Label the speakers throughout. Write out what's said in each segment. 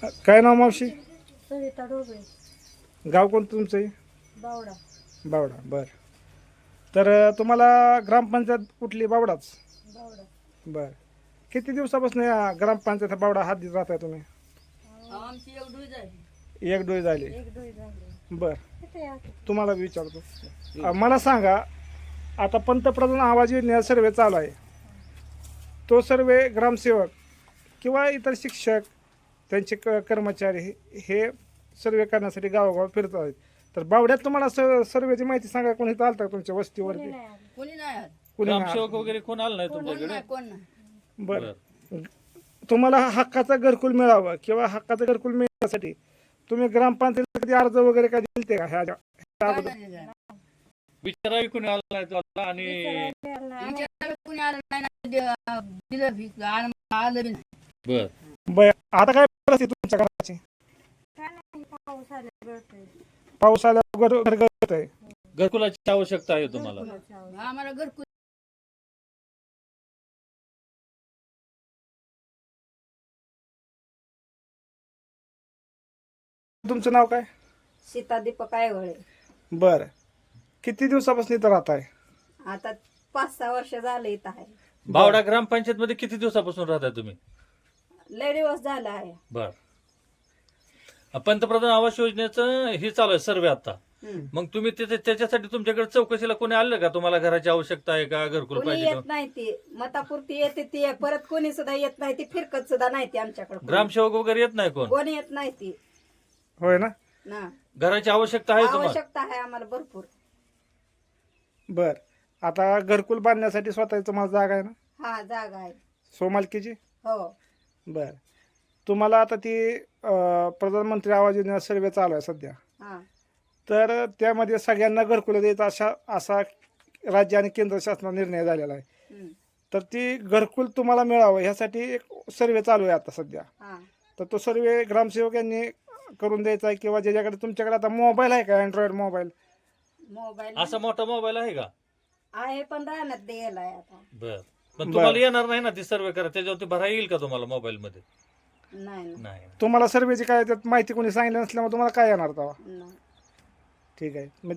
Speaker 1: काय नाव मावशी?
Speaker 2: सरिता ढोबळे,
Speaker 1: गाव कोणतं तुमचं आहे?
Speaker 2: बावडा.
Speaker 1: बावडा. बरं. तर तुम्हाला ग्रामपंचायत कुठली? बावडाच.
Speaker 2: बावडा.
Speaker 1: बरं. किती दिवसापासून या ग्रामपंचायत बावडा हात राहताय तुम्ही?
Speaker 2: आमची एक डोई झाली.
Speaker 1: एक डोळी झाली.
Speaker 2: एक डोई झाली.
Speaker 1: बरं.
Speaker 2: किती आहे?
Speaker 1: तुम्हाला बी विचारतो. मला सांगा, आता पंतप्रधान आवाज योजनेचा सर्वे चालू आहे. तो सर्वे ग्रामसेवक किंवा इतर शिक्षक त्यांचे कर्मचारी हे सर्वे करण्यासाठी गावोगाव फिरत आहेत. तर बावड्यात तुम्हाला सर्वेची माहिती सांगा, कोणी इथं आलता तुमच्या वस्तीवरती?
Speaker 2: कोणी नाही आलं.
Speaker 1: कोणी नाही
Speaker 3: ग्रामसेवक वगैरे कोण आलं नाही
Speaker 2: कोण
Speaker 3: तुमच्याकडे?
Speaker 2: नाही, कोण नाही.
Speaker 1: बरं. तुम्हाला हक्काचं घरकुल मिळावं किंवा हक्काचं घरकुल मिळण्यासाठी तुम्ही ग्रामपंचायतीला कधी अर्ज वगैरे काय दिलते का? ह्या
Speaker 2: काय नाही झालं.
Speaker 3: विचारावी कोणी आलं नाही तुम्हाला आणि
Speaker 2: विचारायला नाही. विचारायला कोणी आलं नाही ना, दिलं बी, आलं बी नाही.
Speaker 3: बर
Speaker 1: बरं. आता काय परिस्थिती तुमच्या घराची?
Speaker 2: काय नाही, पाऊस आला गळतंय.
Speaker 1: पाऊस आल्यावर घर गळत आहे.
Speaker 3: घरकुलाची आवश्यकता आहे तुम्हाला?
Speaker 2: आम्हाला घरकुल
Speaker 1: तुमचं नाव काय?
Speaker 4: सीता दीपक आयवळे.
Speaker 1: बरं. किती दिवसापासून इथं राहत आहे?
Speaker 4: आता 5-6 वर्ष झाले इथं आहे.
Speaker 3: बावडा ग्रामपंचायत मध्ये किती दिवसापासून राहताय तुम्ही?
Speaker 4: लय दिवस झाला आहे.
Speaker 3: बर. पंतप्रधान आवास योजनेचं हे चालू आहे सर्वे आता. मग तुम्ही त्याच्यासाठी तुमच्याकडे चौकशीला कोणी आलं का? तुम्हाला घराची आवश्यकता आहे का? घरकुल
Speaker 4: कोणी
Speaker 3: पाहिजे
Speaker 4: येत
Speaker 3: का?
Speaker 4: नाही ती मतापुरती येते ती, परत कोणी सुद्धा येत नाही ती, फिरकत सुद्धा नाही ती आमच्याकडे.
Speaker 3: ग्रामसेवक वगैरे येत नाही कोण?
Speaker 4: कोणी येत नाही ती
Speaker 1: होय ना?
Speaker 4: ना.
Speaker 3: घराची आवश्यकता आहे तुम्हाला?
Speaker 4: आवश्यकता आहे आम्हाला भरपूर.
Speaker 1: बर. आता घरकुल बांधण्यासाठी स्वतःची तुम्हाला जागा आहे ना?
Speaker 4: हा, जागा आहे.
Speaker 1: सोमालकीची?
Speaker 4: हो.
Speaker 1: बर. तुम्हाला आता ती प्रधानमंत्री आवाज योजना सर्वे चालू आहे सध्या.
Speaker 4: हा.
Speaker 1: तर त्यामध्ये सगळ्यांना घरकुल द्यायचा असा राज्य आणि केंद्र शासनाचा निर्णय झालेला आहे.
Speaker 4: हम्म.
Speaker 1: तर ती घरकुल तुम्हाला मिळावं ह्यासाठी एक सर्वे चालू आहे आता सध्या.
Speaker 4: हा.
Speaker 1: तर तो सर्वे ग्रामसेवक यांनी करून द्यायचा आहे किंवा ज्याच्याकडे तुमच्याकडे आता मोबाईल आहे का, अँड्रॉइड मोबाईल?
Speaker 4: मोबाईल
Speaker 3: असा मोठा मोबाईल आहे का?
Speaker 4: आहे पण राहण्यात द्यायला आहे आता.
Speaker 3: बर. पण तुम्हाला येणार नाही ना ती सर्वे करा, त्याच्यावरती भरा येईल का तुम्हाला मोबाईल मध्ये?
Speaker 4: नाही ना.
Speaker 3: नाही.
Speaker 1: तुम्हाला सर्वेची काय त्यात माहिती कोणी सांगितलं नसल्यामुळे तुम्हाला काय येणार तेव्हा?
Speaker 4: नाही.
Speaker 1: ठीक आहे. मग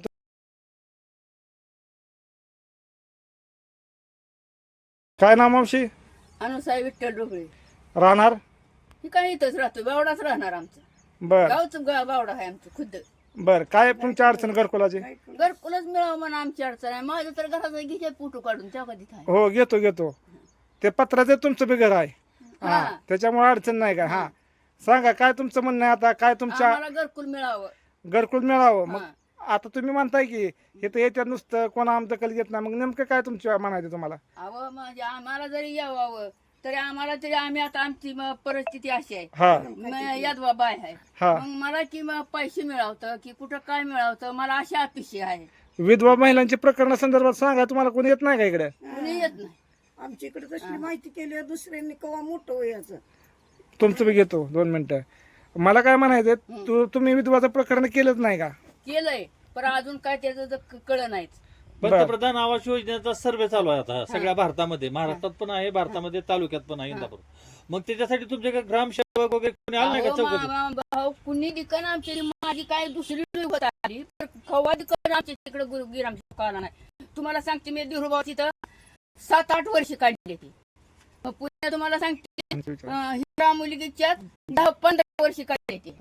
Speaker 1: काय नाव मावशी?
Speaker 2: अनुसाई विठ्ठल ढोबळे.
Speaker 1: राहणार?
Speaker 2: ही काय इथंच राहतो, बावडाच राहणार आमचं.
Speaker 1: बर.
Speaker 2: गावचं बावडा आहे आमचं खुद्द.
Speaker 1: बर. काय तुमची अडचण घरकुलाची?
Speaker 2: घरकुलच मिळावं म्हणून आमची अडचण आहे. माझं तर घराचा घ्यायचे फोटो काढून त्या कधी आहे.
Speaker 1: हो, घेतो. ते पत्राचं तुमचं बी घर आहे. हा,
Speaker 2: हा.
Speaker 1: त्याच्यामुळे अडचण नाही का? हा, सांगा काय तुमचं म्हणणं आहे आता? काय तुमच्या
Speaker 2: आम्हाला घरकुल मिळावं.
Speaker 1: घरकुल मिळावं? मग
Speaker 2: हा.
Speaker 1: आता तुम्ही म्हणताय की इथं येत्या नुसतं कोणा आमचं कल येत नाही, मग नेमकं काय तुमच्या म्हणायचं तुम्हाला?
Speaker 2: अहो म्हणजे आम्हाला जरी यावं तरी आम्हाला तरी आम्ही आता आमची परिस्थिती अशी आहे.
Speaker 1: हा
Speaker 2: यादवा बाय आहे.
Speaker 1: हा.
Speaker 2: मग मला की पैसे मिळवतं की कुठं काय मिळवतं, मला अशी अपेक्षा आहे.
Speaker 1: विधवा महिलांच्या प्रकरणासंदर्भात सांगा, तुम्हाला कोणी येत नाही का इकडे?
Speaker 2: कुणी येत नाही.
Speaker 5: आमच्या इकडे तशी माहिती केली दुसऱ्यांनी कवा मोठं व्हायचं.
Speaker 1: तुमचं बी घेतो 2 मिनिटं. मला काय म्हणायचं, तुम्ही विधवाचं प्रकरण केलंच नाही का?
Speaker 2: केलंय पण अजून काय त्याचं कळ नाहीच.
Speaker 3: पंतप्रधान आवास योजनेचा सर्वे चालू आहे आता सगळ्या भारतामध्ये. महाराष्ट्रात पण आहे, भारतामध्ये तालुक्यात पण आहे, इंदापूर. मग त्याच्यासाठी तुमच्याकडे ग्रामसेवक वगैरे कोणी आलं नाही का चौकशी?
Speaker 2: भाऊ कुणी दिकन आमची माझी काय दुसरी होत आली तर खवा दिकन आमच्या तिकडे गिरामसेवक आला नाही. तुम्हाला सांगते मी दिरुभाव तिथं 7-8 वर्ष काढली ती. मग पुन्हा तुम्हाला सांगते हिरा मुलगीच्या 10-15 वर्ष काढली ती.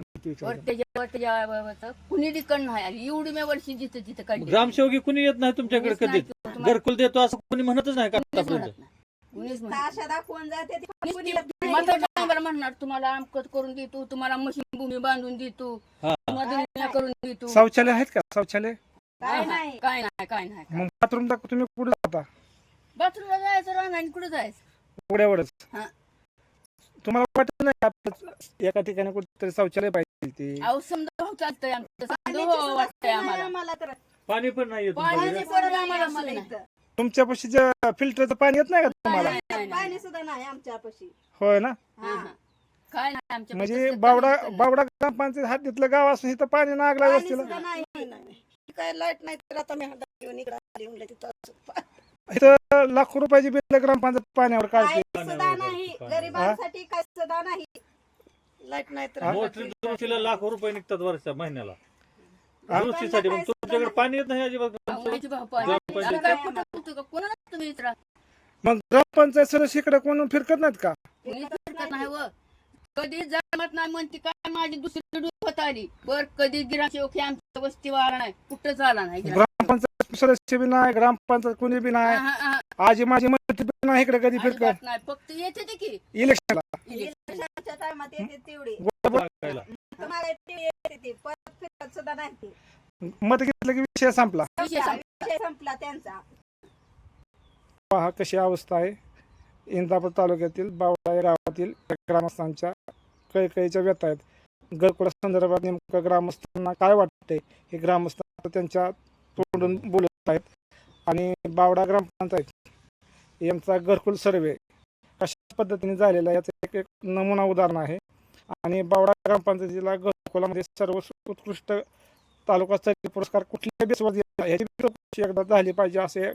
Speaker 2: कुणी दिकन नाही आली एवढी मी वर्षी जिथं काढली.
Speaker 3: ग्रामसेवकी कुणी येत नाही तुमच्याकडे कधी? घरकुल देतो असं कुणी म्हणतच नाही का आतापर्यंत?
Speaker 4: आशा दाखवून जाते ती, पण कोणी येत नाही.
Speaker 2: मात्र ड्रायव्हर म्हणणार तुम्हाला अमकत करून देतो, तुम्हाला मशीन भूमी बांधून देतो, तुम्हाला दुनिया करून देतो.
Speaker 1: शौचालय आहेत का? शौचालय
Speaker 4: काय नाही.
Speaker 2: काय नाही.
Speaker 1: मग बाथरूम टाकू तुम्ही कुठे जाता?
Speaker 2: बाथरूमला जायचं राहणार आणि कुठं जायचं?
Speaker 1: एवढ्यावरच
Speaker 2: हा.
Speaker 1: तुम्हाला वाटत नाही का एका ठिकाणी कुठेतरी शौचालय पाहिजे ती?
Speaker 2: अहो समजा हो चालतंय आमचं, समजा
Speaker 4: पाण्याची
Speaker 2: हो
Speaker 4: सुद्धा
Speaker 2: वाटतंय
Speaker 4: सोय नाही
Speaker 2: आम्हाला.
Speaker 4: आम्हाला तर.
Speaker 3: पाणी पण नाही येत
Speaker 2: पाणी
Speaker 3: तुमच्याकडे?
Speaker 2: पडलं आम्हाला
Speaker 4: आम्हाला
Speaker 2: सोय
Speaker 4: इथं.
Speaker 1: तुमच्यापाशी जे फिल्टरचं पाणी येत नाही का तुम्हाला?
Speaker 4: पाणी सुद्धा नाही आमच्यापाशी.
Speaker 1: होय ना?
Speaker 2: हा. काय नाही आमच्या
Speaker 1: म्हणजे बावडा ग्रामपंचायत हद्दीतलं गाव असून इथं पाणी नागला
Speaker 4: पाणी
Speaker 1: वस्तीला.
Speaker 4: सुद्धा नाही.
Speaker 5: काय लाईट नाही तर आता मी हातात घेऊन इकडे आली म्हणलं तिथं.
Speaker 1: इथं लाखो रुपयाची बिल ग्रामपंचायत पाण्यावर
Speaker 4: काय
Speaker 1: काढते.
Speaker 4: सुद्धा नाही गरिबांसाठी, काय सुद्धा नाही.
Speaker 5: लाईट नाही तर
Speaker 3: मोटरी दुरुस्तीला लाखो रुपये निघतात वर्षा महिन्याला
Speaker 1: हा?
Speaker 3: दुरुस्तीसाठी. पण तुमच्याकडे पाणी येत नाही अजिबात.
Speaker 2: आवडीचे भाऊ पाणी. आता काय कुठं कुठं का? कोणाला तुम्ही विचारा
Speaker 1: मग ग्रामपंचायत सदस्य इकडे कोण फिरकत नाहीत का?
Speaker 2: कोणीच फिरकत नाही व कधी जमत नाही म्हणते काय माझी दुसरी डूब आली बर कधी गिरामसेवक आमच्या वस्तीवर आला नाही कुठंच आला नाही
Speaker 1: ग्रामपंचायत सदस्य बी नाही, ग्रामपंचायत कोणी बी नाही,
Speaker 2: हा, हा,
Speaker 1: आजी माझी मंत्री बी नाही इकडे कधी फिरकत
Speaker 2: अजिबात नाही फक्त येते ते की
Speaker 1: इलेक्शनला.
Speaker 4: इलेक्शनच्या टायमात येते तेवढी
Speaker 3: टाकायला.
Speaker 4: तुम्हाला तेवढी येते ती परत फिरकत सुद्धा नाही ती.
Speaker 1: मत घेतलं की विषय संपला.
Speaker 2: विषय संपला.
Speaker 4: विषय संपला त्यांचा.
Speaker 1: पहा कशी अवस्था आहे इंदापूर तालुक्यातील बावळा या गावातील ग्रामस्थांच्या कळकळीच्या व्यथा आहेत. घरकुला संदर्भात नेमकं ग्रामस्थांना काय वाटतंय हे ग्रामस्थ त्यांच्या तोंडून बोलत आहेत. आणि बावडा ग्रामपंचायत यांचा घरकुल सर्वे कशा पद्धतीने झालेला आहे याचं एक नमुना उदाहरण आहे. आणि बावडा ग्रामपंचायतीला घरकुलामध्ये सर्व उत्कृष्ट तालुका स्तरीय पुरस्कार कुठल्या बेसवर दिला याची चौकशी एकदा झाली पाहिजे असे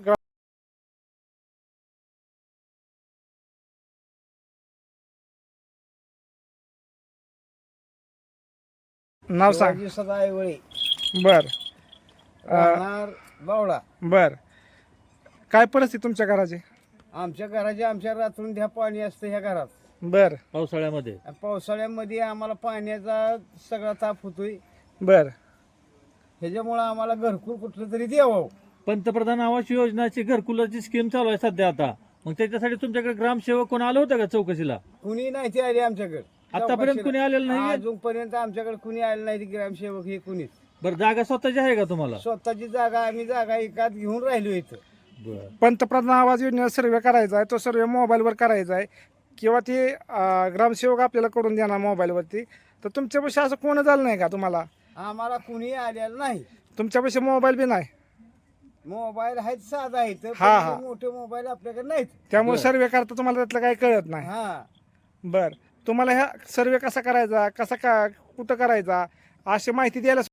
Speaker 1: नाव सांग.
Speaker 6: शिवाजी सदाईवळे
Speaker 1: बर
Speaker 6: राहणार बावळा.
Speaker 1: बर काय परिस्थिती तुमच्या घराची?
Speaker 6: आमच्या घराचे आमच्या रात्रून ध्या पाणी असतं ह्या घरात.
Speaker 1: बर
Speaker 3: पावसाळ्यामध्ये
Speaker 6: आणि पावसाळ्यामध्ये आम्हाला पाण्याचा सगळा ताप होतोय.
Speaker 1: बर
Speaker 6: ह्याच्यामुळं आम्हाला घरकुल कुठलं तरी द्यावं.
Speaker 3: पंतप्रधान आवास योजनाची घरकुलाची स्कीम चालू आहे सध्या आता. मग त्याच्यासाठी तुमच्याकडे ग्रामसेवक कोण आलं होतं का चौकशीला?
Speaker 6: कुणी नाही ते आले आमच्याकडे.
Speaker 3: आतापर्यंत कुणी आलेलं नाही?
Speaker 6: अजूनपर्यंत आमच्याकडे कुणी आले नाही ग्रामसेवक हे कुणीच.
Speaker 3: बरं जागा स्वतःची आहे का तुम्हाला?
Speaker 6: स्वतःची जागा आम्ही जागा एकात घेऊन राहिलो इथं.
Speaker 3: बरं.
Speaker 1: पंतप्रधान आवाज योजनेचा सर्वे करायचा आहे, तो सर्वे मोबाईलवर करायचा आहे किंवा ते ग्रामसेवक आपल्याला करून देणार मोबाईलवरती. तर तुमच्यापाशी असं कोण झालं नाही का तुम्हाला?
Speaker 6: आम्हाला कुणी आलेलं नाही.
Speaker 1: तुमच्यापाशी मोबाईल बी नाही,
Speaker 6: मोबाईल आहेत साधा आहेत
Speaker 1: हा, हा.
Speaker 6: पण मोठे मोबाईल आपल्याकडे नाहीत.
Speaker 1: त्यामुळे सर्वे करता तुम्हाला त्यातलं काही कळत नाही.
Speaker 6: हा
Speaker 1: बर तुम्हाला ह्या सर्वे कसा करायचा, कसा का कुठं करायचा अशी माहिती द्यायला